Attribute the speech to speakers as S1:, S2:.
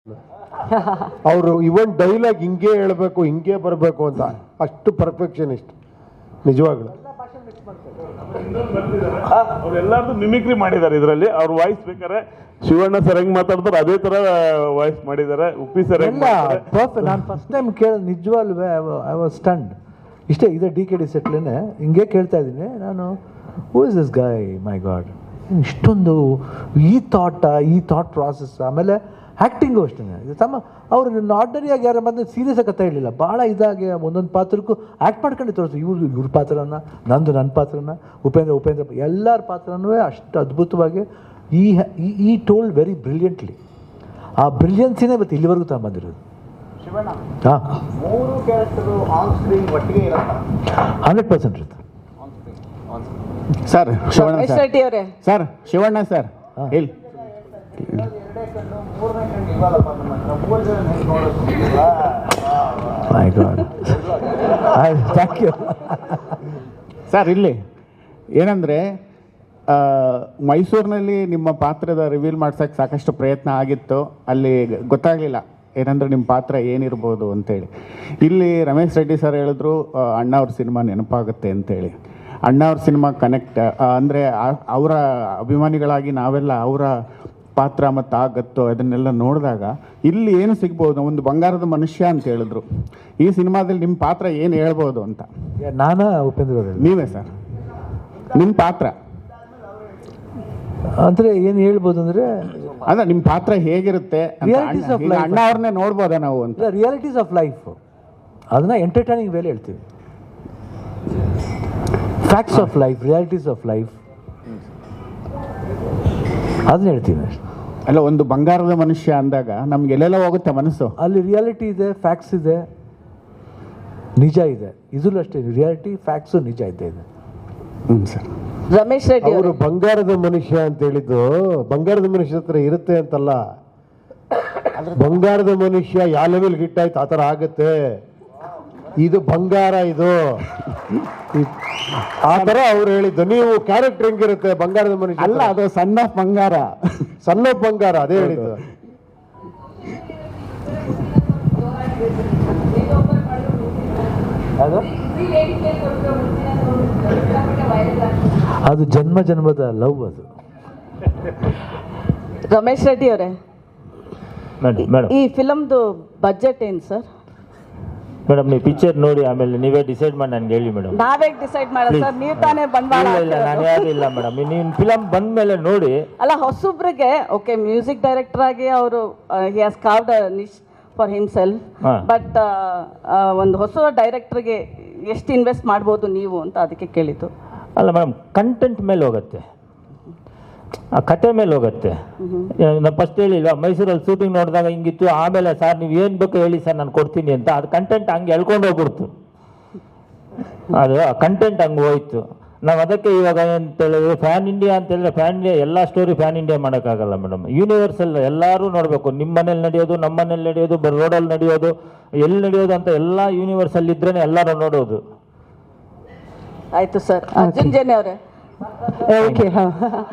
S1: ಅವರು ಇವನ್ ಡೈಲಾಗ್ ಹಿಂಗೆ ಹೇಳ್ಬೇಕು ಹಿಂಗೆ ಬರಬೇಕು ಅಂತ ಅಷ್ಟು ಪರ್ಫೆಕ್ಷನಿಸ್ಟ್ ನಿಜವಾಗ್ಲು.
S2: ಅವ್ರೆಲ್ಲಾರ್ದು ಮಿಮಿಕ್ರಿ ಮಾಡಿದ್ದಾರೆ ಇದರಲ್ಲಿ. ಅವ್ರ ವಾಯ್ಸ್ ಬೇಕಾದ್ರೆ ಶಿವಣ್ಣ ಸರ್ ಹೆಂಗ್ ಮಾತಾಡ್ತಾರೆ ಅದೇ ತರ ವಾಯ್ಸ್ ಮಾಡಿದ್ದಾರೆ. ಉಪ್ಪಿ ಸರ್
S3: ನಾನು ಫಸ್ಟ್ ಟೈಮ್ ಕೇಳ ನಿಜವಾಗ್ಲೂ ಐ ವಾಸ್ ಸ್ಟಂಡ್. ಇಷ್ಟೇ ಇದೆ DKD ಸೆಟ್ಲೇನೆ ಹಿಂಗೆ ಕೇಳ್ತಾ ಇದ್ದೀನಿ ನಾನು, who is this guy, my god, ಇಷ್ಟೊಂದು ಈ ಥಾಟ್ ಪ್ರಾಸೆಸ್. ಆಮೇಲೆ ಆ್ಯಕ್ಟಿಂಗು ಅಷ್ಟೇ ತಮ್ಮ ಅವರು ಆರ್ಡಿನರಿಯಾಗಿ ಯಾರು ಬಂದು ಸೀರಿಯಸ್ ಆಗಿ ಕಥೆ ಇರಲಿಲ್ಲ, ಭಾಳ ಇದಾಗಿ ಒಂದೊಂದು ಪಾತ್ರಕ್ಕೂ ಆ್ಯಕ್ಟ್ ಮಾಡ್ಕೊಂಡು ತೋರಿಸ್ತು. ಇವ್ರ ಪಾತ್ರನ, ನನ್ನ ಪಾತ್ರನ, ಉಪೇಂದ್ರ ಎಲ್ಲರ ಪಾತ್ರನೂ ಅಷ್ಟು ಅದ್ಭುತವಾಗಿ ಈ ಟೋಲ್ಡ್ ವೆರಿ ಬ್ರಿಲಿಯಂಟ್ಲಿ. ಆ ಬ್ರಿಲಿಯನ್ಸಿನೇ ಇವತ್ತು ಇಲ್ಲಿವರೆಗೂ ತಗೊಂಬಂದಿರೋದು. ಹಾಂ, 100% ಇರುತ್ತೆ
S4: ಸರ್. ಶಿವಣ್ಣ ಸರ್ ಹೇಳಿ.
S3: My god, thank you
S4: sir. ಇಲ್ಲಿ ಏನಂದರೆ ಮೈಸೂರಿನಲ್ಲಿ ನಿಮ್ಮ ಪಾತ್ರದ ರಿವೀಲ್ ಮಾಡ್ಸೋಕ್ಕೆ ಸಾಕಷ್ಟು ಪ್ರಯತ್ನ ಆಗಿತ್ತು. ಅಲ್ಲಿ ಗೊತ್ತಾಗಲಿಲ್ಲ ಏನಂದ್ರೆ ನಿಮ್ಮ ಪಾತ್ರ ಏನಿರ್ಬೋದು ಅಂತೇಳಿ. ಇಲ್ಲಿ ರಮೇಶ್ ರೆಡ್ಡಿ ಸರ್ ಹೇಳಿದ್ರು ಅಣ್ಣ ಅವ್ರ ಸಿನಿಮಾ ನೆನಪಾಗುತ್ತೆ ಅಂತೇಳಿ. ಅಣ್ಣ ಅವ್ರ ಸಿನಿಮಾ ಕನೆಕ್ಟ್ ಅಂದರೆ ಅವರ ಅಭಿಮಾನಿಗಳಾಗಿ ನಾವೆಲ್ಲ ಅವರ ಪಾತ್ರ ಮತ್ತು ಆ ಗತ್ತು ಅದನ್ನೆಲ್ಲ ನೋಡಿದಾಗ ಇಲ್ಲಿ ಏನು ಸಿಗ್ಬೋದು, ಒಂದು ಬಂಗಾರದ ಮನುಷ್ಯ ಅಂತ ಹೇಳಿದ್ರು. ಈ ಸಿನಿಮಾದಲ್ಲಿ ನಿಮ್ಮ ಪಾತ್ರ ಏನು ಹೇಳ್ಬೋದು ಅಂತ.
S3: ನಾನಾ ಉಪೇಂದ್ರ
S4: ನೀವೇ ಸರ್, ನಿಮ್ಮ ಪಾತ್ರ
S3: ಅಂದರೆ ಏನು ಹೇಳ್ಬೋದು ಅಂದರೆ
S4: ಅಂದ್ರೆ ನಿಮ್ಮ ಪಾತ್ರ ಹೇಗಿರುತ್ತೆ ಅಣ್ಣ ಅವ್ರನ್ನೇ ನೋಡ್ಬೋದಾ ನಾವು ಅಂತ.
S3: ರಿಯಾಲಿಟೀಸ್ ಆಫ್ ಲೈಫ್, ಅದನ್ನ ಎಂಟರ್ಟೈನಿಂಗ್ ವೇಲೆ ಹೇಳ್ತೀವಿ. Facts of life, realities of life ಅದನ್ನ ಹೇಳ್ತೀವಿ.
S4: ಅಲ್ಲ, ಒಂದು ಬಂಗಾರದ ಮನುಷ್ಯ ಅಂದಾಗ ನಮ್ಗೆ ಎಲ್ಲೆಲ್ಲ ಹೋಗುತ್ತೆ ಮನಸ್ಸು.
S3: ಅಲ್ಲಿ ರಿಯಾಲಿಟಿ ಇದೆ, ಫ್ಯಾಕ್ಟ್ಸ್ ಇದೆ, ನಿಜ ಇದೆ. ಇದ್ರಲ್ಲೂ ಅಷ್ಟೇ ರಿಯಾಲಿಟಿ, ಫ್ಯಾಕ್ಟ್ಸು, ನಿಜ ಇದೆ.
S4: ಸರ್,
S5: ರಮೇಶ್ ರೆಡ್ಡಿ
S1: ಅವರು ಬಂಗಾರದ ಮನುಷ್ಯ ಅಂತ ಹೇಳಿದ್ದು ಬಂಗಾರದ ಮನುಷ್ಯ ಹತ್ರ ಇರುತ್ತೆ ಅಂತಲ್ಲ. ಬಂಗಾರದ ಮನುಷ್ಯ ಯಾವ ಲೆವೆಲ್ ಹಿಟ್ ಆಯ್ತು ಆ ಥರ ಆಗುತ್ತೆ. ಇದು ಬಂಗಾರ, ಇದು ಆ ಥರ ಅವ್ರು ಹೇಳಿದ್ದು. ನೀವು ಕ್ಯಾರೆಕ್ಟರ್ ಹೆಂಗಿರುತ್ತೆ ಬಂಗಾರದ ಮನುಷ್ಯ
S4: ಅಲ್ಲ, ಅದು ಸಣ್ಣ ಬಂಗಾರ,
S1: ಸಣ್ಣ ಬಂಗಾರ, ಅದೇ ಹೇಳಿದ್ದು.
S3: ಅದು ಜನ್ಮದ ಲವ್. ಅದು
S5: ರಮೇಶ್ ರೆಡ್ಡಿ ಅವರೇ, ಈ ಫಿಲಮ್ದು ಬಜೆಟ್ ಏನು ಸರ್?
S6: ಮೇಡಮ್, ನೀವು ಪಿಕ್ಚರ್ ನೋಡಿ ಆಮೇಲೆ ನೀವೇ ಡಿಸೈಡ್ ಮಾಡಿ ನನಗೆ ಹೇಳಿ ಮೇಡಮ್.
S5: ನಾವೇ ಡಿಸೈಡ್ ಮಾಡೋದು ಸರ್, ನೀವು ತಾನೇ ಬಂಡವಾಳ.
S6: ಇಲ್ಲ, ನಾನು ಯಾರು ಇಲ್ಲ ಮೇಡಮ್. ನೀವು ಫಿಲಮ್ ಬಂದ ಮೇಲೆ ನೋಡಿ.
S5: ಅಲ್ಲ, ಹೊಸೊಬ್ರಿಗೆ ಓಕೆ, ಮ್ಯೂಸಿಕ್ ಡೈರೆಕ್ಟರ್ ಆಗಿ ಅವರು he has carved a niche for himself. But ಒಂದು ಹೊಸ ಡೈರೆಕ್ಟರ್ಗೆ ಎಷ್ಟು ಇನ್ವೆಸ್ಟ್ ಮಾಡ್ಬೋದು ನೀವು ಅಂತ ಅದಕ್ಕೆ ಕೇಳಿದ್ದು.
S6: ಅಲ್ಲ ಮೇಡಮ್, ಕಂಟೆಂಟ್ ಮೇಲೆ ಹೋಗುತ್ತೆ, ಆ ಕತೆ ಮೇಲೆ ಹೋಗುತ್ತೆ. ನಾನು ಫಸ್ಟ್ ಹೇಳಿಲ್ವಾ, ಮೈಸೂರಲ್ಲಿ ಶೂಟಿಂಗ್ ನೋಡಿದಾಗ ಹಿಂಗಿತ್ತು, ಆಮೇಲೆ ಸರ್ ನೀವು ಏನು ಬೇಕೋ ಹೇಳಿ ಸರ್ ನಾನು ಕೊಡ್ತೀನಿ ಅಂತ. ಅದು ಕಂಟೆಂಟ್ ಹಂಗೆ ಎಳ್ಕೊಂಡು ಹೋಗ್ಬಿಡ್ತು. ಅದು ಆ ಕಂಟೆಂಟ್ ಹಂಗೆ ಹೋಯ್ತು. ನಾವು ಅದಕ್ಕೆ ಇವಾಗ ಅಂತ ಹೇಳಿದ್ರೆ ಫ್ಯಾನ್ ಇಂಡಿಯಾ ಅಂತ ಹೇಳಿದ್ರೆ ಫ್ಯಾನ್ ಇಂಡಿಯಾ ಎಲ್ಲ ಸ್ಟೋರಿ ಫ್ಯಾನ್ ಇಂಡಿಯಾ ಮಾಡೋಕ್ಕಾಗಲ್ಲ ಮೇಡಮ್. ಯೂನಿವರ್ಸಲ್ ಎಲ್ಲರೂ ನೋಡಬೇಕು. ನಿಮ್ಮ ಮನೇಲಿ ನಡೆಯೋದು, ನಮ್ಮ ಮನೇಲಿ ನಡೆಯೋದು, ರೋಡಲ್ಲಿ ನಡೆಯೋದು, ಎಲ್ಲಿ ನಡೆಯೋದು ಅಂತ ಎಲ್ಲ ಯೂನಿವರ್ಸಲ್ ಇದ್ರೇ ಎಲ್ಲರೂ ನೋಡೋದು.
S5: ಆಯಿತು ಸರ್. ಅರ್ಜುನ್ ಜೇನೆ ಅವರೇ, ಓಕೆ, ಹಾಂ.